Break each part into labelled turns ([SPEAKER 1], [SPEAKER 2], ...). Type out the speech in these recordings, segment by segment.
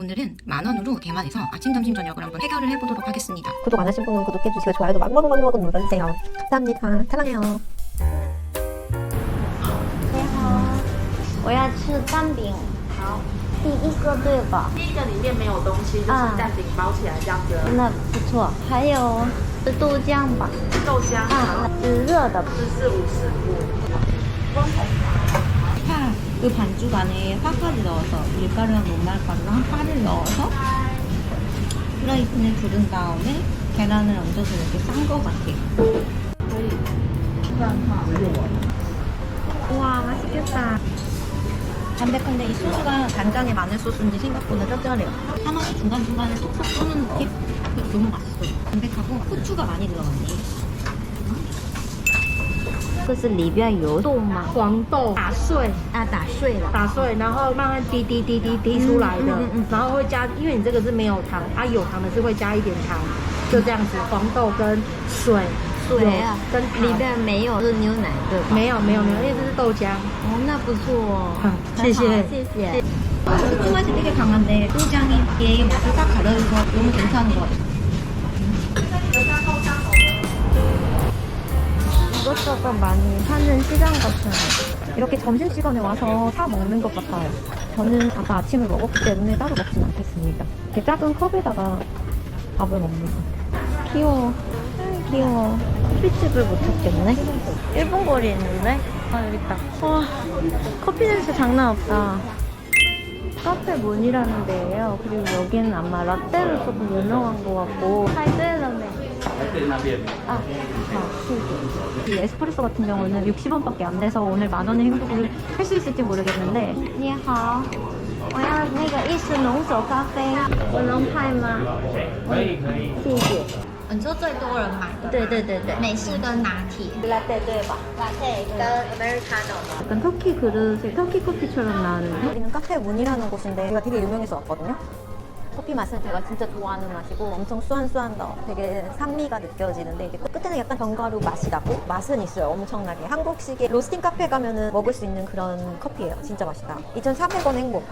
[SPEAKER 1] 오늘은 10,000원으로 대만에서 아침, 점심, 저녁을 한번 해결을 해보도록 하겠습니다.
[SPEAKER 2] 구독 안 하신 분은 구독해주시고 좋아요도 막막막막 눌러주세요. 감사합니다. 사랑해요.
[SPEAKER 3] 你好，我要吃蛋饼。好，第一个对吧？
[SPEAKER 4] 第一个里面没有东西，就是蛋饼包起来这样子。
[SPEAKER 3] 那不错。还有豆浆吧？
[SPEAKER 4] 豆浆
[SPEAKER 3] 啊，是热的。
[SPEAKER 5] 파, 그 반죽 안에 파까지 넣어서 밀가루랑 녹말가루랑 파를 넣어서 프라이팬에 부른 다음에 계란을 얹어서 이렇게 싼 거 같아요.
[SPEAKER 2] 우와 맛있겠다.
[SPEAKER 5] 담백한데 이 소스가 간장에 마늘 소스인지 생각보다 짭짤해요. 하나씩 중간중간에 톡톡 쏘는 느낌? 너무 맛있어요. 담백하고 후추가 많이 들어갔네.
[SPEAKER 3] 这是里边有豆吗？
[SPEAKER 4] 黄豆打碎，
[SPEAKER 3] 啊，打碎了。
[SPEAKER 4] 打碎，然后慢慢滴滴滴滴滴出来的，然后会加，因为你这个是没有糖，啊有糖的是会加一点糖，就这样子，黄豆跟水，
[SPEAKER 3] 水啊，
[SPEAKER 4] 跟
[SPEAKER 3] 里边没有是牛奶对吧？
[SPEAKER 4] 没有，因为这是豆浆。
[SPEAKER 3] 哦，那不错哦。
[SPEAKER 4] 谢谢
[SPEAKER 3] 谢谢。
[SPEAKER 5] 후추 맛이 되게 강한데 소장이 얘의 맛을 딱 가려줘서 너무 괜찮은 것 같아요.
[SPEAKER 2] 이것저것 많이 파는 시장 같은 이렇게 점심시간에 와서 사 먹는 것 같아요. 저는 아까 아침을 먹었기 때문에 따로 먹진 않겠습니다. 이렇게 작은 컵에다가 밥을 먹는 거. 귀여워. 귀여워. 커피집을 못 찾겠네. 일본 거리 있는데? 아 여기 있다. 와 커피 냄새 장난 없다. 카페 문이라는 데예요. 그리고 여기는 아마 라떼로 조금 유명한 것 같고 타이베이라네. 아, 이 에스프레소 같은 경우는 60원밖에 안 돼서 오늘 10,000원의 행복을 할 수 있을지 모르겠는데.
[SPEAKER 3] 你好，我要那个意式浓手咖啡，我能派吗？谢谢。
[SPEAKER 5] 你说最多人买的
[SPEAKER 3] 对对对对，
[SPEAKER 5] 美式跟拿铁
[SPEAKER 3] 라떼对吧？ 라떼跟 아메리카노。
[SPEAKER 2] 약간 터키 그릇에 터키 커피처럼 나는. 여기는 카페 문이라는 곳인데 여기가 되게 유명해서 왔거든요. 커피 맛은 제가 진짜 좋아하는 맛이고 엄청 수완수완더 되게 산미가 느껴지는데 이게 끝에는 약간 견과류 맛이 나고 맛은 있어요. 엄청나게 한국식의 로스팅 카페 가면은 먹을 수 있는 그런 커피예요. 진짜 맛있다. 2,400원 행복.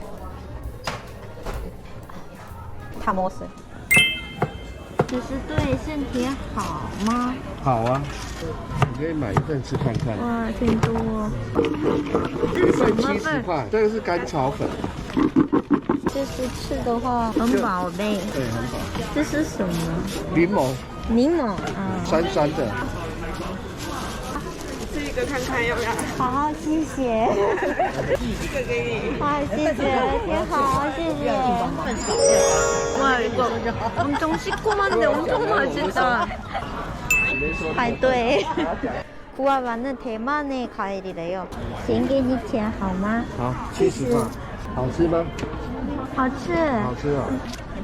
[SPEAKER 2] 다 먹었어요.
[SPEAKER 3] 其实对身体好吗？
[SPEAKER 6] 好啊，你可以买一份吃看看。
[SPEAKER 2] 哇，挺多。
[SPEAKER 6] 一份70块，这个是甘草粉，
[SPEAKER 3] 就是吃的话很饱呗。
[SPEAKER 6] 对，很饱。
[SPEAKER 3] 这是什么？
[SPEAKER 6] 柠檬，
[SPEAKER 3] 柠檬啊。
[SPEAKER 6] 酸酸的。
[SPEAKER 4] 吃一个看看要不要？
[SPEAKER 3] 好，谢谢。
[SPEAKER 4] 这个给你。
[SPEAKER 3] 哇，谢谢，挺好，谢谢。
[SPEAKER 2] 와 이거 엄청 시큼한데 엄청 맛있다.
[SPEAKER 3] 排队。구아바는 대만의 과일이래요. 先给你钱好吗？
[SPEAKER 6] 好，70块，好吃吗？
[SPEAKER 3] 好吃。
[SPEAKER 6] 好吃哦。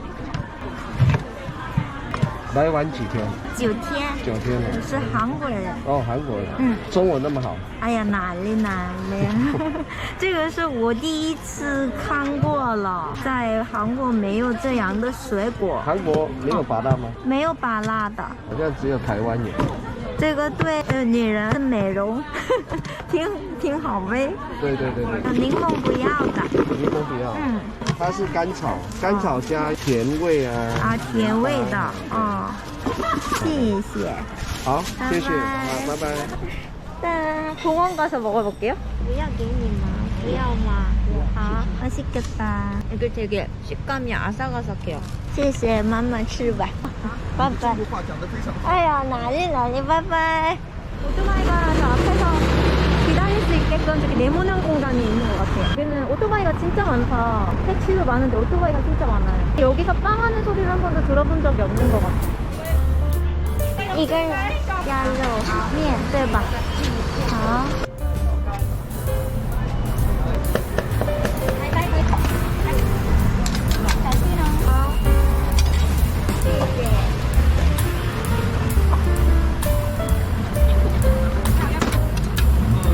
[SPEAKER 6] 来玩几天
[SPEAKER 3] 9天。
[SPEAKER 6] ？9天了。
[SPEAKER 3] 我是韩国人。
[SPEAKER 6] 哦，韩国人。
[SPEAKER 3] 嗯。
[SPEAKER 6] 中文那么好。
[SPEAKER 3] 哎呀，哪里哪里，这个是我第一次看过了，在韩国没有这样的水果，
[SPEAKER 6] 韩国没有拔辣吗？
[SPEAKER 3] 没有拔辣的。
[SPEAKER 6] 好像只有台湾有。
[SPEAKER 3] 这个对女人的美容挺好呗。
[SPEAKER 6] 对对对对。
[SPEAKER 3] 柠檬不要的。
[SPEAKER 6] 柠檬不要。
[SPEAKER 3] 嗯。
[SPEAKER 6] 它是甘草，甘草加甜味啊。
[SPEAKER 3] 啊，甜味的，哦，谢谢。
[SPEAKER 6] 好，谢谢，
[SPEAKER 3] 拜拜
[SPEAKER 6] 好，拜拜。
[SPEAKER 2] 짠. 공원 가서 먹어볼게요.
[SPEAKER 3] 不要给你吗？不要吗？好，맛있겠다.
[SPEAKER 2] 이게 되게 식감이 아삭아삭해요.
[SPEAKER 3] 谢谢，慢慢吃吧。拜拜。哎呀，哪里哪里，拜拜。
[SPEAKER 2] 오토바이가 저 앞에서 기다릴 수 있게끔 저기 네모난 공간이 있는 것 같아요. 여기는 오토바이가 진짜 많다. 택시도 많은데 오토바이가 진짜 많아요. 여기서 빵 하는 소리를 한 번도 들어본 적이 없는 것 같아요.
[SPEAKER 3] 一个人加肉面，对吧？好。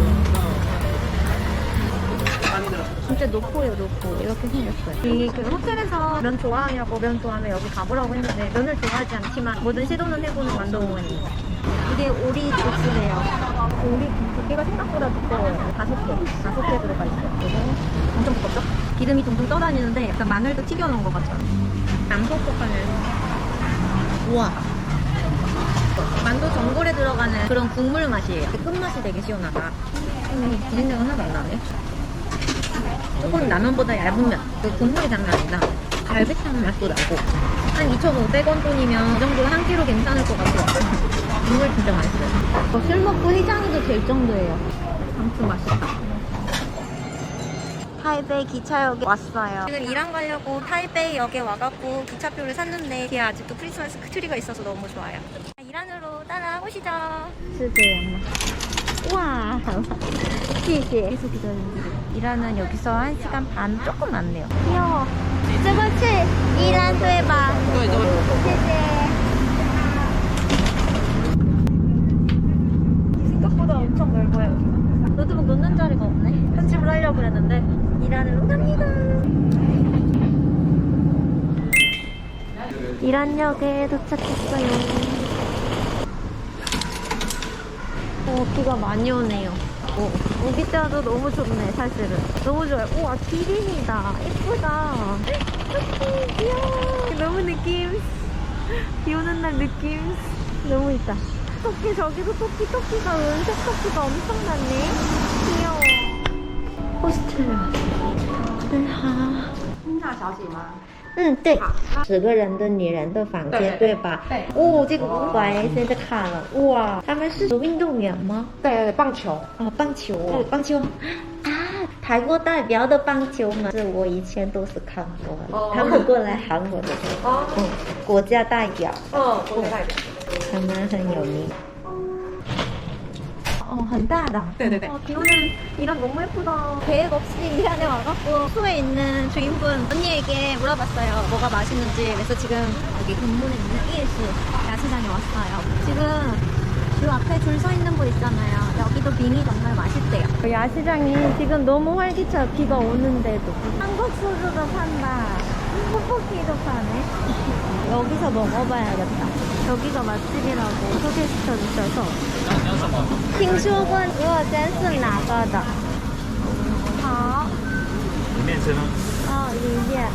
[SPEAKER 2] 진짜 높고요, 높고. 이렇게 생겼어요. 이게 그 호텔 호텔에서 면 좋아하냐고 면 좋아하면 여기 가보라고 했는데 면을 좋아하지 않지만 뭐든 시도는 해보는 만동원입니다. 이게 오리 국수래요. 오리 두께가 생각보다 두꺼워요. 5개 들어가 있어요. 그리고 엄청 두껍죠? 기름이 둥둥 떠다니는데 약간 마늘도 튀겨놓은 것 같죠? 남북국간을 우와. 만두 전골에 들어가는 그런 국물 맛이에요. 끝맛이 되게 시원하다. 비린내가 하나도 안 나네. 조금 라면보다 얇은 면. 그 국물이 장난 아니다. 갈비탕 맛도 나고. 한 2,500원 돈이면 이 정도는 한 끼로 괜찮을 것 같아요. 국물 진짜 맛있어요. 술 먹고 해장도 될 정도예요. 아무튼 맛있다. 타이베이 기차역에 왔어요. 지금 일한 가려고 타이베이역에 와갖고 기차표를 샀는데 뒤에 아직도 크리스마스 트리가 있어서 너무 좋아요. 일안으로 따라오시죠. 쓰세요. 우와. 谢谢. 계속 기다립니다. 일하는 여기서 1시간 반 조금 남네요. 귀여워. 这个是宜兰对吧?
[SPEAKER 1] 对对。
[SPEAKER 2] 谢谢. 생각보다 엄청 넓어요. 여기가. 노트북 놓는 자리가 없네. 편집을 하려고 했는데 이란으로 갑니다. 이란역에 도착했어요. 비가 많이 오네요. 우기 때도 너무 좋네, 사실은. 너무 좋아요. 우와, 기린이다. 예쁘다. 귀여워. 너무 느낌. 비 오는 날 느낌. 너무 있다. 토끼, 저기도 토끼가 은색 토끼가 엄청 많네. 귀여워. 호스텔 왔어요. 对，10个人的女人的房间，对吧？对。哦，这个喂，现在看了，哇，他们是运动员吗？
[SPEAKER 4] 对，棒球。
[SPEAKER 2] 哦，棒球啊，台国代表的棒球嘛，是我以前都是看过的，他们过来韩国的时候，国家代表，
[SPEAKER 4] 国家代表，
[SPEAKER 2] 他们很有名。 很大的.
[SPEAKER 1] 네네네.
[SPEAKER 2] 비 오는 이란 너무 예쁘다. 계획 없이 이란에 와갖고 숙소에 있는 주인분 언니에게 물어봤어요. 뭐가 맛있는지. 그래서 지금 여기 근문에 있는 ES 야시장에 왔어요. 지금 요 앞에 줄 서 있는 곳 있잖아요. 여기도 빙이 정말 맛있대요. 야시장이 지금 너무 활기차요. 비가 오는데도. 한국 소주도 판다. 떡볶이도 파네. 여기서 먹어봐야겠다. 여기가 맛집이라고 소개시켜 주셔서. 听说过俄真是哪个的？好。
[SPEAKER 7] 里面吃吗？
[SPEAKER 2] 里面。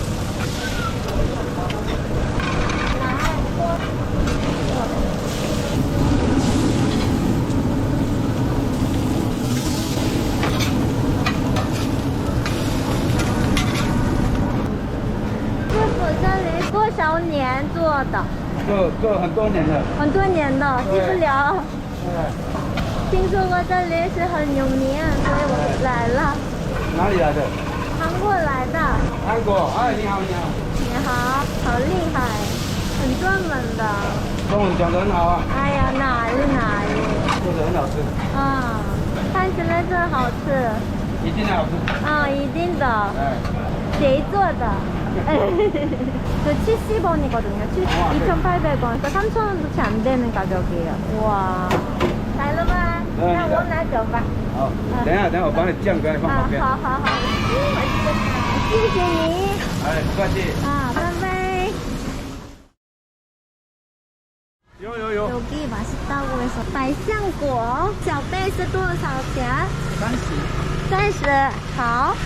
[SPEAKER 2] 师傅，这里多少年做的？
[SPEAKER 6] 做很多年了。
[SPEAKER 2] 很多年的，记不了。听说过这里是很有名，所以我来了。
[SPEAKER 6] 哪里来的？
[SPEAKER 2] 韩国来的。
[SPEAKER 6] 韩国。哎，你好，你好。
[SPEAKER 2] 你好，好厉害，很专门的。
[SPEAKER 6] 中文讲得很好啊。
[SPEAKER 2] 哎呀，哪里？
[SPEAKER 6] 做的很好吃。
[SPEAKER 2] 看起来真好吃。
[SPEAKER 6] 一定好吃。
[SPEAKER 2] 一定的。
[SPEAKER 6] 哎。
[SPEAKER 2] 谁做的？그 70원이거든요. 2,800원. 그러니까 3,000원도 채 안 되는 가격이에요. 우와. 잘 먹어. 那我拿走吧。
[SPEAKER 6] 好，等一下我帮你酱给你放旁边。
[SPEAKER 2] 好。谢谢你。
[SPEAKER 6] 哎，不客气。
[SPEAKER 2] 拜拜。
[SPEAKER 6] 有。
[SPEAKER 2] 여기 맛있다고 해서 발상果 小杯是多少钱？30。好。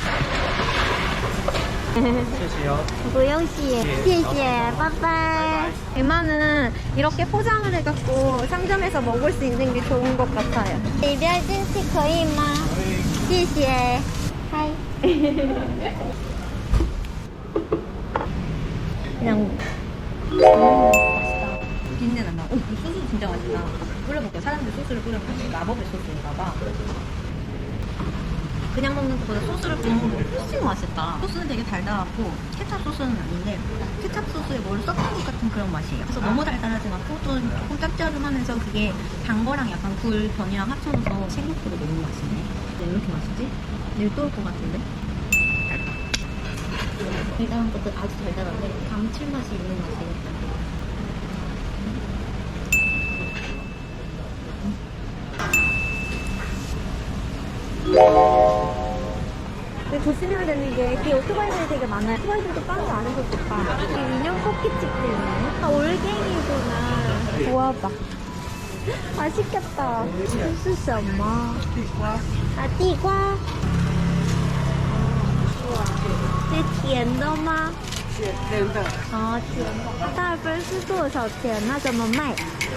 [SPEAKER 7] 谢谢哦。
[SPEAKER 2] 不用谢，谢谢，拜拜。대만은 이렇게 포장을 해갖고 상점에서 먹을 수 있는 게 좋은 것 같아요. 里边进去可以吗？谢谢。嗨。 그냥
[SPEAKER 1] 맛있다. 비린내 난다. 이 소스 진짜 맛있다. 뿌려볼게요. 사람들 소스를 뿌려보면 마법의 소스인가봐. 그냥 먹는 것보다 소스를 뿌려 먹으면 훨씬 맛있다. 소스는 되게 달달하고 케찹 소스는 아닌데 케찹 소스에 뭘 섞은 것 같은 그런 맛이에요. 그래서 너무 달달하지 않고 또 조금 짭짤하면서 그게 단 거랑 약간 굴 변이랑 합쳐져서 생각보다 너무 맛있네. 왜 이렇게 맛있지? 내일 또 올 것 같은데? 달달한 것도 아주 달달한데 감칠맛이 있는 맛이에요.
[SPEAKER 2] 조심해야 되는 게 뒤에 오토바이들이 되게 많아요. 오토바이들도 빵도 안 해서 좋다. 여기 인형 뽑기집도 있네. 아, 올갱이구나. 좋아봐. 맛있겠다. 这是什么？啊，地瓜。哇，是甜的吗？
[SPEAKER 6] 甜的，
[SPEAKER 2] 哦，甜的。大分是多少钱？那怎么卖？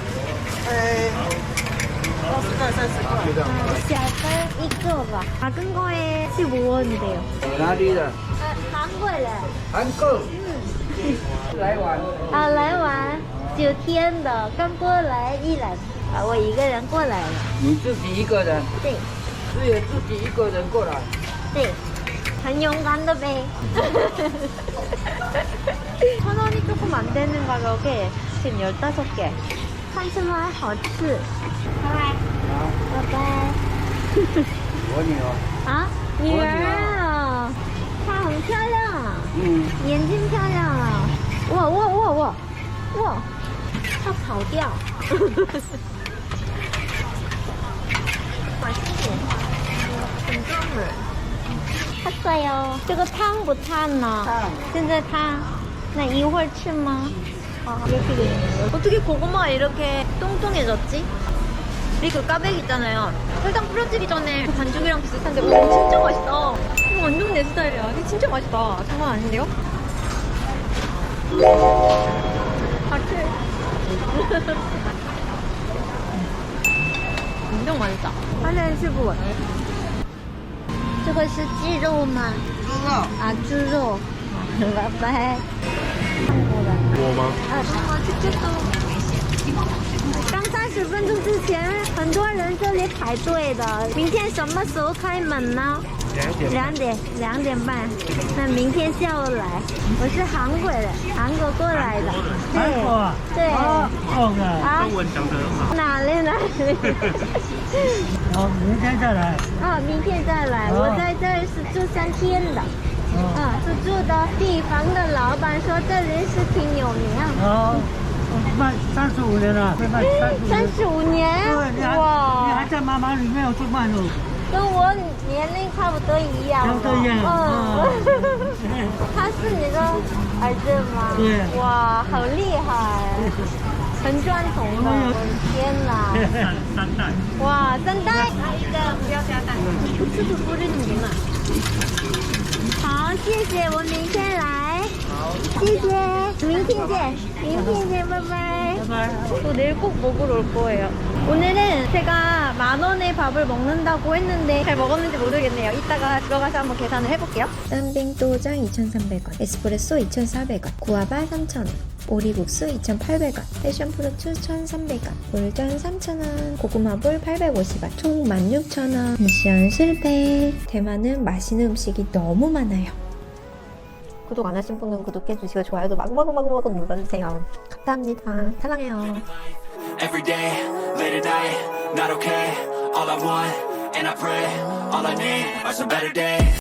[SPEAKER 6] 20块、30块。
[SPEAKER 2] 小分一个吧。작은 거에 15원이래요.
[SPEAKER 6] 哪里的？
[SPEAKER 2] 韩国人。
[SPEAKER 6] 韩国。来玩。
[SPEAKER 2] 啊，来玩9天的，刚过来一来。啊，我一个人过来了。
[SPEAKER 6] 你自己一个人？
[SPEAKER 2] 对。
[SPEAKER 6] 只有自己一个人过来。
[SPEAKER 2] 对。很勇敢的呗。1,000원이 조금 안 되는 가격에 지금 15개. 看起来好吃。拜拜。拜拜。
[SPEAKER 6] 我女儿。
[SPEAKER 2] 啊，女儿啊，她很漂亮啊，眼睛漂亮啊，哇，她跑掉。맛있네. 진짜네. 탔어요. 这个汤不烫呢？现在烫。那一会儿吃吗？ 이렇게 돼 있는 거예요.
[SPEAKER 1] 어떻게 고구마가 이렇게 똥똥해졌지? 우리 그 까베기 있잖아요. 설탕 뿌려지기 전에 그 반죽이랑 비슷한데 진짜 맛있다. 이거 완전 내 스타일이야. 이게 진짜 맛있다. 장난 아닌데요? 같이. 엄청 맛있다.
[SPEAKER 2] 815원. 这个是鸡肉吗？
[SPEAKER 6] 猪肉。
[SPEAKER 2] 啊，猪肉。拜拜。
[SPEAKER 8] 我吗？
[SPEAKER 2] 刚30分钟之前，很多人这里排队的。明天什么时候开门呢？2点半。那明天下午来。我是韩国人，韩国过来的。
[SPEAKER 7] 韩国啊？
[SPEAKER 2] 对。
[SPEAKER 7] 哦的，
[SPEAKER 2] 啊，
[SPEAKER 7] 中文讲得很好。
[SPEAKER 2] 哪里？
[SPEAKER 7] 好，明天再来。
[SPEAKER 2] 啊，明天再来。我在这儿是住3天的。啊，是住的地方的老板说这里是挺有名啊。
[SPEAKER 7] 哦，卖35年了，会卖35
[SPEAKER 2] 35
[SPEAKER 7] 年。
[SPEAKER 2] 年？
[SPEAKER 7] 对，你还在妈妈里面有去卖肉。
[SPEAKER 2] 跟我年龄差不多一样。
[SPEAKER 7] 差不多一样。
[SPEAKER 2] 他是你的儿子吗？
[SPEAKER 7] 对。
[SPEAKER 2] 哇，好厉害，很传统的。天哪！
[SPEAKER 7] 3代。
[SPEAKER 2] 哇，3代。
[SPEAKER 1] 一个不要加蛋。是不是뿌리는구나。
[SPEAKER 2] 好，谢谢，我明天来。好，谢谢，明天见，拜拜。
[SPEAKER 1] 또 내일 꼭 먹으러 올 거예요. 오늘은 제가 10,000원의 밥을 먹는다고 했는데 잘 먹었는지 모르겠네요. 이따가 들어가서 한번 계산을 해볼게요.
[SPEAKER 9] 쌈빙또장 2,300원, 에스프레소 2,400원, 구아바 3,000원, 오리국수 2,800원, 패션프루트 1,300원, 볼전 3,000원, 고구마볼 850원, 총 16,000원. 미션 실패. 대만은 맛있는 음식이 너무 많아요.
[SPEAKER 2] 구독 안 하신 분은 구독해주시고 좋아요도 마구마구 눌러주세요. 감사합니다. 사랑해요.
[SPEAKER 10] Every day, late at night, not okay. All I want, and I pray, all I need are some better days.